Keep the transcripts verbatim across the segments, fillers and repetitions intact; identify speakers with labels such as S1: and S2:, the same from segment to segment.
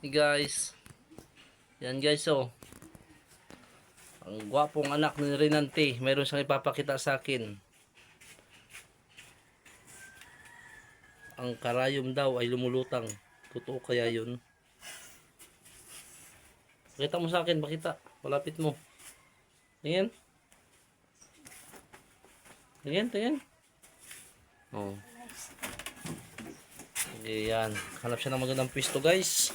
S1: Hey guys. Yan guys oh. Ang gwapong anak ni Renante. Meron siyang ipapakita sa akin. Ang karayom daw ay lumulutang. Totoo kaya yun? Pakita mo sa akin. Pakita. Malapit mo. Tingin. Tingin, tingin. Oh. Okay, yan. Hanap siya ng magandang pwesto guys.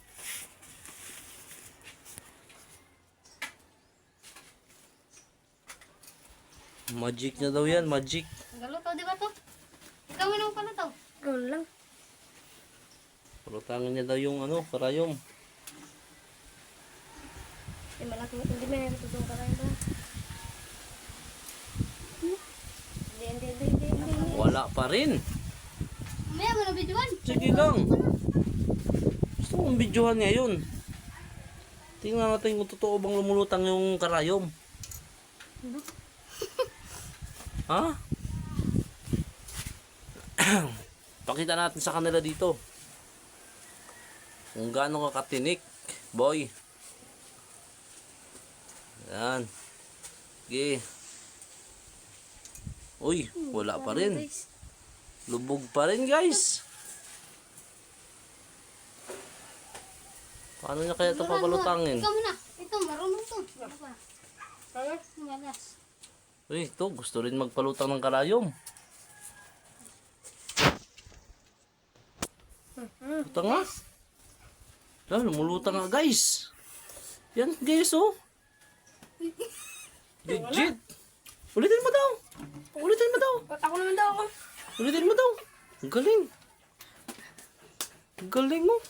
S1: Magic na daw yan, magic.
S2: Galuto, di ba to? Ikaw mo pala to.
S3: Gawin lang.
S1: Palutangan niya daw yung ano, karayom.
S3: Eh, malaki. Hindi may natutong ka rin ba? Hindi, hindi, hindi, hindi, hindi.
S1: Wala pa rin.
S2: Maya mo na videoan.
S1: Sige lang. Gusto kong videohan ngayon. Tingnan natin kung totoo bang lumulutang yung karayom. Ha? Pakita natin sa kanila dito. Kung gaano ka katinik, boy. Yan. Sige. Uy, wala pa rin. Lubog pa rin, guys. Paano niya kaya ito papalutangin?
S2: Ikaw muna. Ito, marunong to. Kaya, malas.
S1: Uy, ito, gusto rin magpalutang ng karayom. Lutang nga. Ah, lumulutang nga, guys. Yan, guys, oh. Legit. Ulitin mo daw. Ulitin mo daw.
S3: Ako naman daw ako.
S1: Ulitin mo daw. Ang galing. Ang galing mo.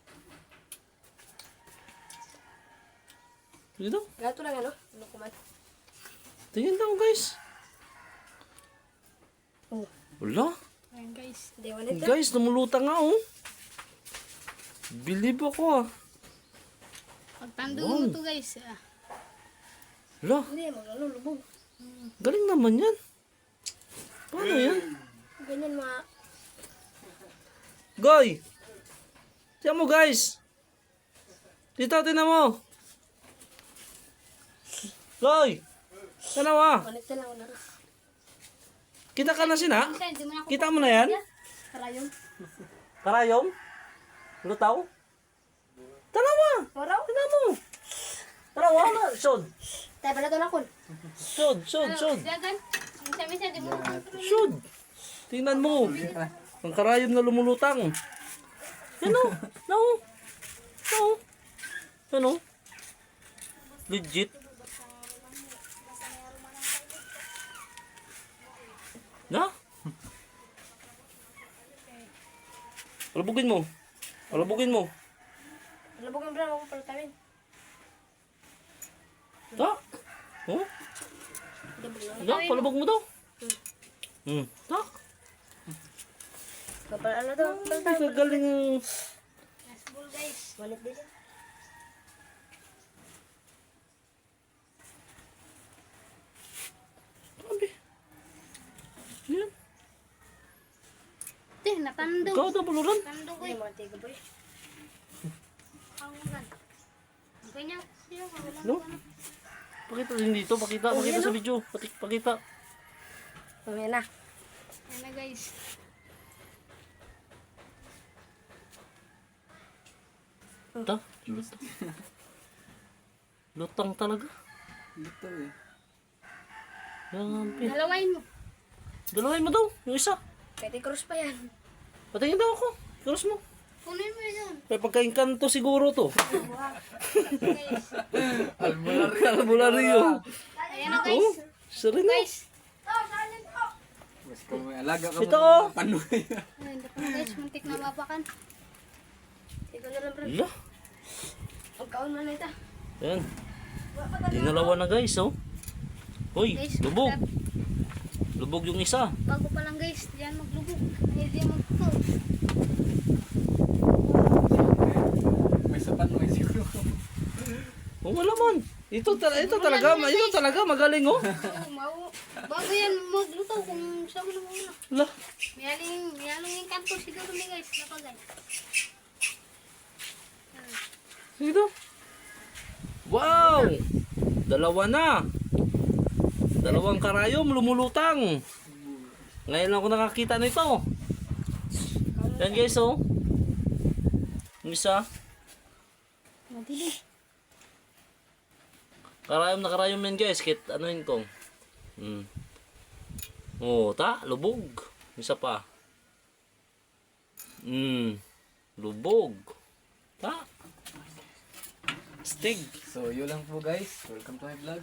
S1: Sige daw.
S3: Gato lang ano? Ano kumat?
S1: Tingin daw, guys.
S3: Oh.
S1: Wala.
S2: Ayan guys.
S3: Hindi, wala ito.
S1: Guys, lumulutang nga, oh. Believe ako, ah.
S2: Pagtandong
S1: Wow.
S2: mo to guys. Ah.
S1: Wala.
S3: Hindi, maglalo, lubog.
S1: Galing naman yan. Paano yan?
S3: Ganyan mga...
S1: Goy! Tiyan mo, guys. Dito, tinan mo. Goy! Sana wa?
S3: Palit na lang na.
S1: Kita ka na sina?
S2: Minsan, di mo na ako
S1: Kita mo na yan?
S3: Karayom.
S1: Karayom? Lutaw? Tanawa!
S3: Oraw?
S1: Tinan mo. Tanawa na. Sod.
S3: Tayo pala ito na kun.
S1: Sod, sod, sod.
S2: Dagan. Minsan-minsan, di mo na ako.
S1: Sod. Tingnan mo. Ang karayom na lumulutang. Yan o. No. No. Yan o. Legit. Na? Alabugin mo. Alabugin mo.
S3: Lubog ang brown ako palutawin.
S1: Ta? Oh? Da, palabog mo daw. Hmm. Ta?
S3: Kapal ano to?
S1: Ay, kagaling.
S2: Nasbol guys.
S3: Malit din.
S1: Sabi. Yan.
S2: Teh, natandong.
S1: Ikaw daw, baluran.
S2: Tandong ko
S3: Hindi,
S2: eh.
S3: mga tiga boy.
S2: Kawangan. Ang kanya. Siya, kawalan
S1: No?
S2: ko na.
S1: Pakita din dito. Pakita.
S3: Oh,
S1: Pakita
S3: yan,
S1: sa
S3: oh.
S1: video. Pati- Pakita.
S3: Mamaya na.
S2: Ayan na guys.
S1: Ta? Lutang. Lutang talaga.
S4: Lutang eh.
S1: Yan.
S2: Dalawain mo.
S1: Dalawain mo daw. Yung isa.
S3: Petty cross pa yan.
S1: Patingin daw ako. Cross mo.
S2: Kunin mo yun.
S1: May pagkainkanto siguro to.
S2: Guys.
S4: Albularyo.
S1: Albularyo.
S2: Ayan na guys.
S1: Oh, sarili na.
S2: Guys.
S4: Mas kung may alaga ka
S1: Ito,
S4: mo,
S1: oh.
S4: panoy.
S2: Ayan na guys. Muntik na mapakan.
S3: Ito na lang bro.
S1: Ala.
S3: Pagkaon mo na ito.
S1: Yan. Dinalawa na guys, oh. Hoy,
S2: Guys,
S1: lubog.
S2: magkap-
S1: Lubog yung isa.
S2: Bago pa lang guys. Diyan maglubog. Ay, diyan magtuto.
S4: May sa panoy siguro.
S1: Oh, wala man. Ito, tala- ito talaga, ito talaga magaling, oh.
S2: Oo, mau- Bago yan magluto kung saan mo na muna.
S1: Ala.
S2: May aling, may aling yung kanto siguro ni guys. Napa guys. Ah.
S1: Ito. Wow! Dalawa na. Dalawang karayom lumulutang. Ngayon lang ako nakakita nito. Yan guys, oh. Yung isa.
S2: Madili.
S1: Karayom na karayom yan guys. Kit anuhin ko. Hmm. Oh, ta, lubog. Isa pa. Hmm. Lubog. Ta. Stig.
S4: So, yun lang po guys. Welcome to my vlog.